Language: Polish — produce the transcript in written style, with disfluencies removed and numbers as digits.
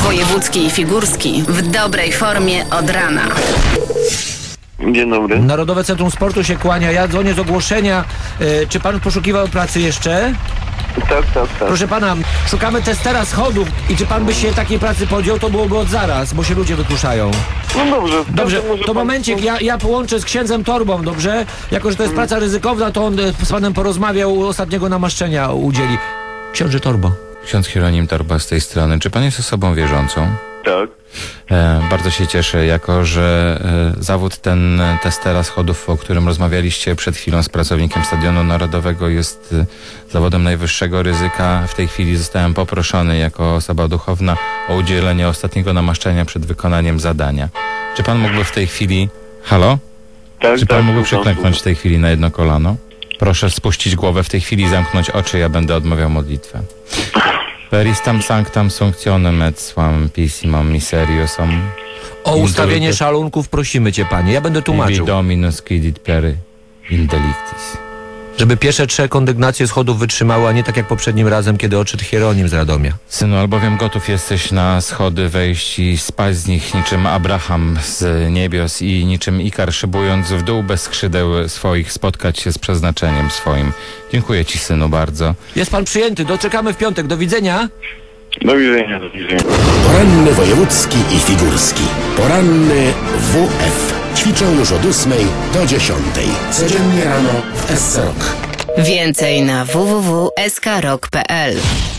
Wojewódzki i Figurski w dobrej formie od rana. Dzień dobry. Narodowe Centrum Sportu się kłania. Ja dzwonię z ogłoszenia. Czy pan poszukiwał pracy jeszcze? Tak. Proszę pana, szukamy testera schodów i czy pan by się takiej pracy podjął, to byłoby od zaraz, bo się ludzie wykruszają. No dobrze. Dobrze, może to pan... momencik, ja połączę z księdzem Torbą, dobrze? Jako że to jest praca ryzykowna, to on z panem porozmawiał, ostatniego namaszczenia udzieli. Książę Torbo. Ksiądz Hieronim Torba z tej strony. Czy pan jest osobą wierzącą? Tak. Bardzo się cieszę, jako że zawód ten testera schodów, o którym rozmawialiście przed chwilą z pracownikiem Stadionu Narodowego, jest zawodem najwyższego ryzyka. W tej chwili zostałem poproszony jako osoba duchowna o udzielenie ostatniego namaszczenia przed wykonaniem zadania. Czy pan mógłby w tej chwili... Halo? Tak, Czy pan mógłby słucham. przyklęknąć w tej chwili na jedno kolano? Proszę spuścić głowę w tej chwili i zamknąć oczy, ja będę odmawiał modlitwę. Peristam sanctam sunctionem et suam pissimam miseriosum. O ustawienie szalunków prosimy cię, panie. Ja będę tłumaczył. Ibi dominus quidit per indelictis. Żeby pierwsze 3 kondygnacje schodów wytrzymały, a nie tak jak poprzednim razem, kiedy odszedł Hieronim z Radomia. Synu, albowiem gotów jesteś na schody wejść i spaść z nich niczym Abraham z niebios i niczym Ikar szybując w dół bez skrzydeł swoich spotkać się z przeznaczeniem swoim. Dziękuję ci, synu, bardzo. Jest pan przyjęty, doczekamy w piątek. Do widzenia. Do widzenia. Poranny wojewódzki i figurski. Poranny WF. Ćwiczą już od 8 do 10. Codziennie rano w SC Rock. Więcej na www.skrok.pl.